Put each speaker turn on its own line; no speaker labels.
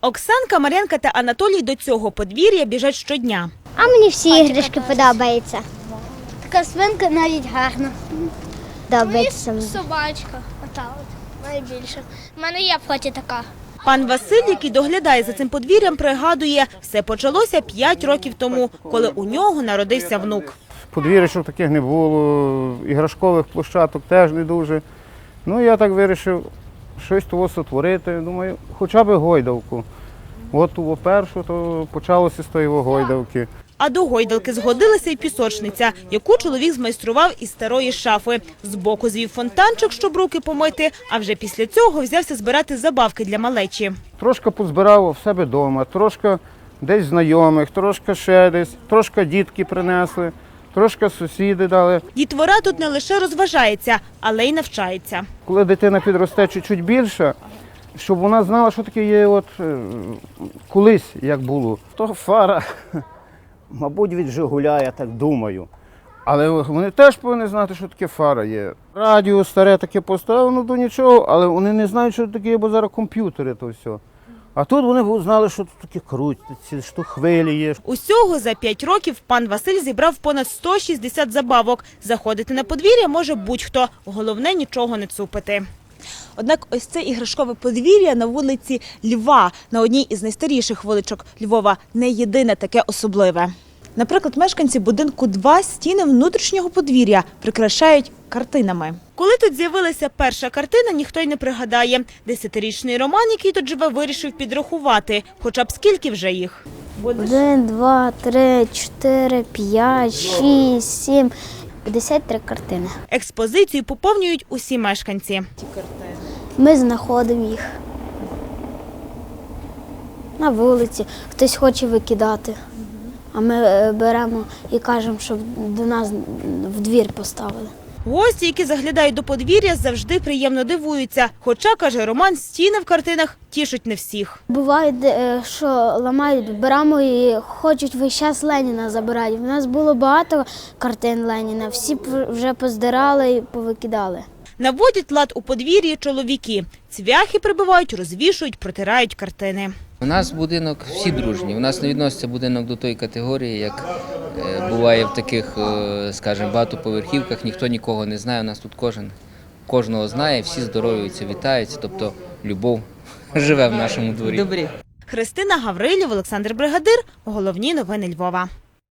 Оксанка, Мар'янка та Анатолій до цього подвір'я біжать щодня.
А мені всі іграшки подобаються. Така свинка навіть гарна. Подобається.
Мені собачка, ота от, найбільше. У мене є в хаті така.
Пан Василь, який доглядає за цим подвір'ям, пригадує, все почалося 5 років тому, коли у нього народився внук.
Подвір'ячок таких не було, іграшкових площадок теж не дуже. Ну, я так вирішив щось того сотворити, думаю, хоча б гойдалку. От того першу, то почалося з тої гойдалки.
А до гойдалки згодилася й пісочниця, яку чоловік змайстрував із старої шафи. Збоку звів фонтанчик, щоб руки помити, а вже після цього взявся збирати забавки для малечі.
Трошки позбирав в себе вдома, трошки десь знайомих, трошки ще десь, трошки дітки принесли, трошки сусіди дали.
Дітвора тут не лише розважається, але й навчається.
Коли дитина підросте чуть більше, щоб вона знала, що таке є от колись, як було. То фара, мабуть, від «Жигуля», я так думаю. Але вони теж повинні знати, що таке фара є. Радіо старе таке поставлено до нічого, але вони не знають, що таке є, бо зараз комп'ютери то все. А тут вони знали, що тут таке крутиться, що хвилі є.
Усього за 5 років пан Василь зібрав понад 160 забавок. Заходити на подвір'я може будь-хто, головне нічого не цупити. Однак ось це іграшкове подвір'я на вулиці Льва, на одній із найстаріших вуличок Львова, не єдине таке особливе. Наприклад, мешканці будинку 2 стіни внутрішнього подвір'я прикрашають картинами. Коли тут з'явилася перша картина, ніхто й не пригадає. 10-річний Роман, який тут живе, вирішив підрахувати. Хоча б скільки вже їх?
1, 2, 3, 4, 5, 6, 7, 53 картини.
Експозицію поповнюють усі мешканці.
Ми знаходимо їх на вулиці, хтось хоче викидати. А ми беремо і кажемо, щоб до нас в двір поставили.
Гості, які заглядають до подвір'я, завжди приємно дивуються. Хоча, каже Роман, стіни в картинах тішать не всіх.
Буває, що ламають, беремо і хочуть весь час Леніна забирати. У нас було багато картин Леніна, всі вже поздирали і повикидали.
Наводять лад у подвір'ї чоловіки. Цвяхи прибивають, розвішують, протирають картини.
У нас будинок всі дружні. У нас не відноситься будинок до тої категорії, як буває в таких, скажімо, багатоповерхівках. Ніхто нікого не знає. У нас тут кожного знає, всі здоров'юються, вітаються. Тобто любов живе в нашому дворі.
Христина Гаврилів, Олександр Бригадир. Головні новини Львова.